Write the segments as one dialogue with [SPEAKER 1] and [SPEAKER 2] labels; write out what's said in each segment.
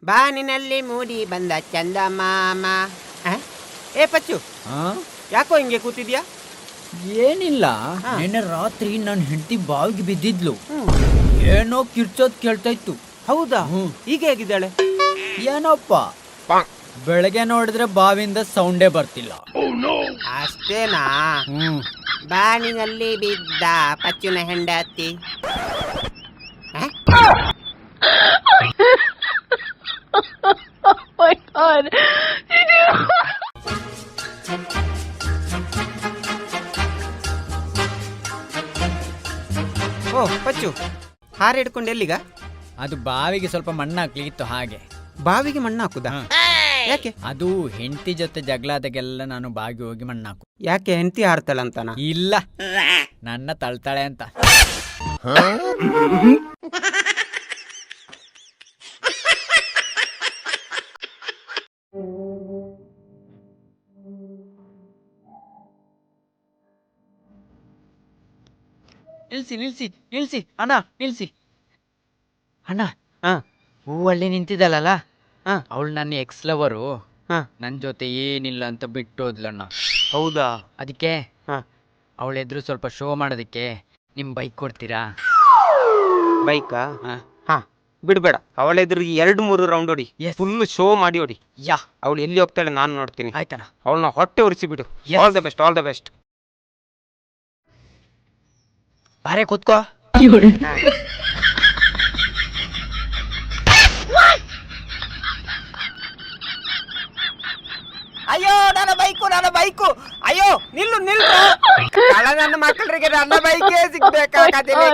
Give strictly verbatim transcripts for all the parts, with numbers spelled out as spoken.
[SPEAKER 1] ಬಾನಿನಲ್ಲಿ ಮೂಡಿ ಬಂದ ಚಂದಮಾಮ. ಆ? ಏ ಪಚ್ಚು, ಯಾಕೋ ಹಿಂಗೆ ಕೂತಿದ್ಯಾ?
[SPEAKER 2] ಏನಿಲ್ಲ, ನಿನ್ನೆ ರಾತ್ರಿ ನನ್ನ ಹೆಂಡತಿ ಬಾವಿಗೆ ಬಿದ್ದಿದ್ಲು. ಏನೋ ಕಿರ್ಚೋದ್ ಕೇಳ್ತಾ ಇತ್ತು.
[SPEAKER 1] ಹೌದಾ? ಈಗ ಹೇಗಿದ್ದಾಳೆ?
[SPEAKER 2] ಏನೋಪ್ಪ, ಬೆಳಗ್ಗೆ ನೋಡಿದ್ರೆ ಬಾವಿಯಿಂದ ಸೌಂಡೇ ಬರ್ತಿಲ್ಲ.
[SPEAKER 1] ಅಷ್ಟೇನಾ?
[SPEAKER 2] ಹ್ಮ್
[SPEAKER 1] ಬಾನಿನಲ್ಲಿ ಬಿದ್ದ ಪಚ್ಚುನ ಹೆಂಡತಿ. ಓ ಪಚ್ಚು, ಹಾರ ಹಿಡ್ಕೊಂಡು ಎಲ್ಲಿಗ?
[SPEAKER 2] ಅದು ಬಾವಿಗೆ ಸ್ವಲ್ಪ ಮಣ್ಣು ಹಾಕ್ಲಿತ್ತು, ಹಾಗೆ.
[SPEAKER 1] ಬಾವಿಗೆ ಮಣ್ಣು ಹಾಕುದಾ? ಯಾಕೆ?
[SPEAKER 2] ಅದು ಹೆಂಡತಿ ಜೊತೆ ಜಗಳಾದಾಗೆಲ್ಲ ನಾನು ಬಾವಿಗೆ ಹೋಗಿ ಮಣ್ಣು ಹಾಕು.
[SPEAKER 1] ಯಾಕೆ, ಹೆಂಡತಿ ಹಾರ್ತಾಳಂತಾನ?
[SPEAKER 2] ಇಲ್ಲ, ನನ್ನ ತಳ್ತಾಳೆ ಅಂತ. ನಿಲ್ಸಿ ನಿಲ್ಸಿ ನಿಲ್ಸಿ ಅಣ್ಣ, ನಿಲ್ಸಿ ಅಣ್ಣ.
[SPEAKER 1] ಹಾ,
[SPEAKER 2] ಹೂವಳ್ಳಿ ನಿಂತಿದ್ದಲ್ಲ,
[SPEAKER 1] ಹಾ,
[SPEAKER 2] ಅವಳು ನನ್ನ ಎಕ್ಸ್ ಲವರು.
[SPEAKER 1] ಹಾ.
[SPEAKER 2] ನನ್ನ ಜೊತೆ ಏನಿಲ್ಲ ಅಂತ ಬಿಟ್ಟೋದ್ಲಣ್ಣ.
[SPEAKER 1] ಹೌದಾ?
[SPEAKER 2] ಅದಕ್ಕೆ
[SPEAKER 1] ಹಾ.
[SPEAKER 2] ಅವಳೆದ್ರು ಸ್ವಲ್ಪ ಶೋ ಮಾಡೋದಕ್ಕೆ ನಿಮ್ ಬೈಕ್ ಕೊಡ್ತೀರಾ?
[SPEAKER 1] ಬೈಕಾ?
[SPEAKER 2] ಹಾ.
[SPEAKER 1] ಹಾ, ಬಿಡ್ಬೇಡ. ಅವಳೆದ್ರು ಎರಡು ಮೂರು ರೌಂಡ್ ಹೊಡಿ, ಫುಲ್ ಶೋ ಮಾಡಿ ಹೊಡಿ.
[SPEAKER 2] ಯಾ,
[SPEAKER 1] ಅವಳು ಎಲ್ಲಿ ಹೋಗ್ತಾಳೆ ನಾನು ನೋಡ್ತೀನಿ.
[SPEAKER 2] ಆಯ್ತಣ್ಣ.
[SPEAKER 1] ಅವಳನ್ನ ಹೊಟ್ಟೆ ಉರಿಸಿ ಬಿಡು. All the best, all the best.
[SPEAKER 2] ಬಾರೆ ಕೂತ್ಕೋ.
[SPEAKER 1] ಅಯ್ಯೋ, ನನ್ನ ಬೈಕು, ನನ್ನ ಬೈಕು! ಅಯ್ಯೋ, ನಿಲ್ಲು ನಿಲ್ಲು! ಕಳ ನನ್ನ ಮಕ್ಕಳಿಗೆ ನನ್ನ ಬೈಕೇ ಸಿಗ್ಬೇಕಾಗದಿಲ್ಲ.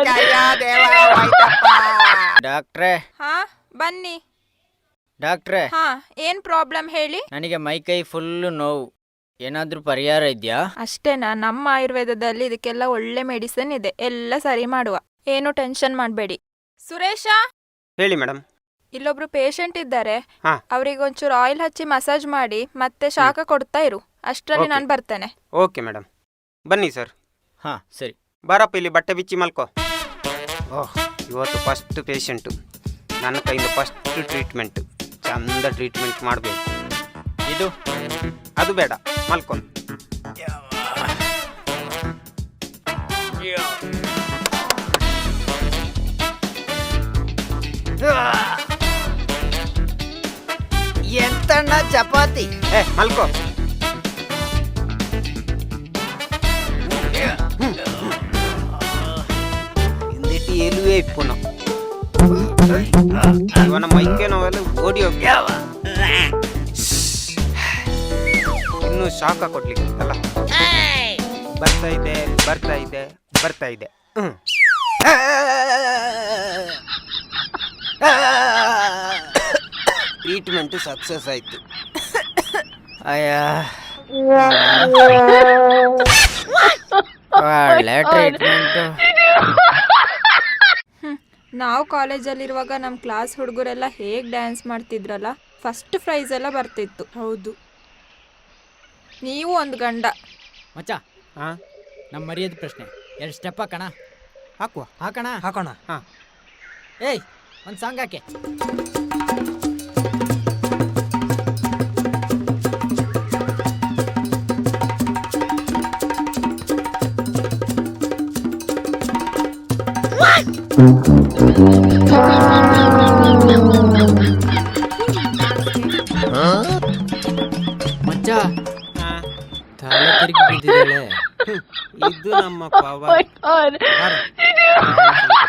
[SPEAKER 2] ಡಾಕ್ಟ್ರೇ,
[SPEAKER 3] ಹಾ ಬನ್ನಿ.
[SPEAKER 2] ಡಾಕ್ಟ್ರೇ,
[SPEAKER 3] ಹಾ, ಏನ್ ಪ್ರಾಬ್ಲಮ್ ಹೇಳಿ?
[SPEAKER 2] ನನಗೆ ಮೈಕೈ ಫುಲ್ಲು ನೋವು, ಏನಾದ್ರೂ ಪರಿಹಾರ ಇದೆಯಾ?
[SPEAKER 3] ಅಷ್ಟೇನಾ? ನಮ್ಮ ಆಯುರ್ವೇದದಲ್ಲಿ ಇದಕ್ಕೆಲ್ಲ ಒಳ್ಳೆ ಮೆಡಿಸಿನ್ ಇದೆ, ಎಲ್ಲ ಸರಿ ಮಾಡುವ. ಏನು ಟೆನ್ಷನ್ ಮಾಡಬೇಡಿ. ಸುರೇಶ,
[SPEAKER 1] ಹೇಳಿ ಮೇಡಮ್.
[SPEAKER 3] ಇಲ್ಲೊಬ್ರು ಪೇಷಂಟ್ ಇದ್ದಾರೆ,
[SPEAKER 1] ಹಾ.
[SPEAKER 3] ಅವ್ರಿಗೊಂಚೂರು ಆಯಿಲ್ ಹಚ್ಚಿ ಮಸಾಜ್ ಮಾಡಿ ಮತ್ತೆ ಶಾಖ ಕೊಡ್ತಾ ಇರು. ಅಷ್ಟರಲ್ಲಿ
[SPEAKER 1] Okay.
[SPEAKER 3] ನಾನು ಬರ್ತೇನೆ.
[SPEAKER 1] ಓಕೆ ಮೇಡಮ್, ಬನ್ನಿ ಸರ್.
[SPEAKER 2] ಹಾ ಸರಿ.
[SPEAKER 1] ಬಾರಪ್ಪ, ಇಲ್ಲಿ ಬಟ್ಟೆ ಬಿಚ್ಚಿ ಮಲ್ಕೋ. ಓಹ್, ಇವತ್ತು ಫಸ್ಟ್ ಪೇಷಂಟು, ನನ್ನ ಕೈಯಿಂದ ಫಸ್ಟ್ ಟ್ರೀಟ್ಮೆಂಟ್. ಚಂದ ಟ್ರೀಟ್ಮೆಂಟ್ ಮಾಡಬೇಕು.
[SPEAKER 2] ಇದು
[SPEAKER 1] ಅದು ಬೇಡ, ಮಲ್ಕೊಂಡು.
[SPEAKER 2] ಎಂತಣ್ಣ ಚಪಾತಿ?
[SPEAKER 1] ಏ ಮಲ್ಕೋ. ಹಿಂದಿಟ್ಟು ಎಲುವೆ ಇಪ್ಪುನ ಇವನ ಮೈಕೆ ನೋವೆಲ್ಲ ಓಡಿ ಹೋಗಿ ಇನ್ನೂ ಶಾಖ ಕೊಡ್ಲಿಕ್ಕೆ ಅಲ್ಲ. ಬರ್ತಾ ಇದೆ ಬರ್ತಾ ಇದೆ ಬರ್ತಾ ಇದೆ. ಹ್ಮ್ ಟ್ರೀಟ್ಮೆಂಟ್ ಸಕ್ಸಸ್ ಆಯ್ತು.
[SPEAKER 2] ಅಯ್ಯ, ಒಳ್ಳೆ ಟ್ರೀಟ್ಮೆಂಟ್.
[SPEAKER 3] ನಾವು ಕಾಲೇಜಲ್ಲಿರುವಾಗ ನಮ್ಮ ಕ್ಲಾಸ್ ಹುಡುಗರೆಲ್ಲ ಹೇಗೆ ಡ್ಯಾನ್ಸ್ ಮಾಡ್ತಿದ್ರಲ್ಲ, ಫಸ್ಟ್ ಪ್ರೈಸ್ ಎಲ್ಲ ಬರ್ತಿತ್ತು. ಹೌದು, ನೀವು ಒಂದು ಗಂಡ.
[SPEAKER 2] ಮಚ್ಚ,
[SPEAKER 1] ಹಾ,
[SPEAKER 2] ನಮ್ಮ ಮರ್ಯಾದೆ ಪ್ರಶ್ನೆ, ಎರಡು ಸ್ಟೆಪ್ ಹಾಕೋಣ?
[SPEAKER 1] ಹಾಕುವ.
[SPEAKER 2] ಹಾಕೋಣ
[SPEAKER 1] ಹಾಕೋಣ. ಹಾ,
[SPEAKER 2] ಏಯ್, ಒಂದು ಸಾಂಗ್ ಹಾಕೆ. ಮಚ್ಚ, ತಲೆ ತಿರುಗಿ ಬಿದ್ದಿದ್ದಾಳೆ.
[SPEAKER 1] ಇದು ನಮ್ಮ ಪವರ್.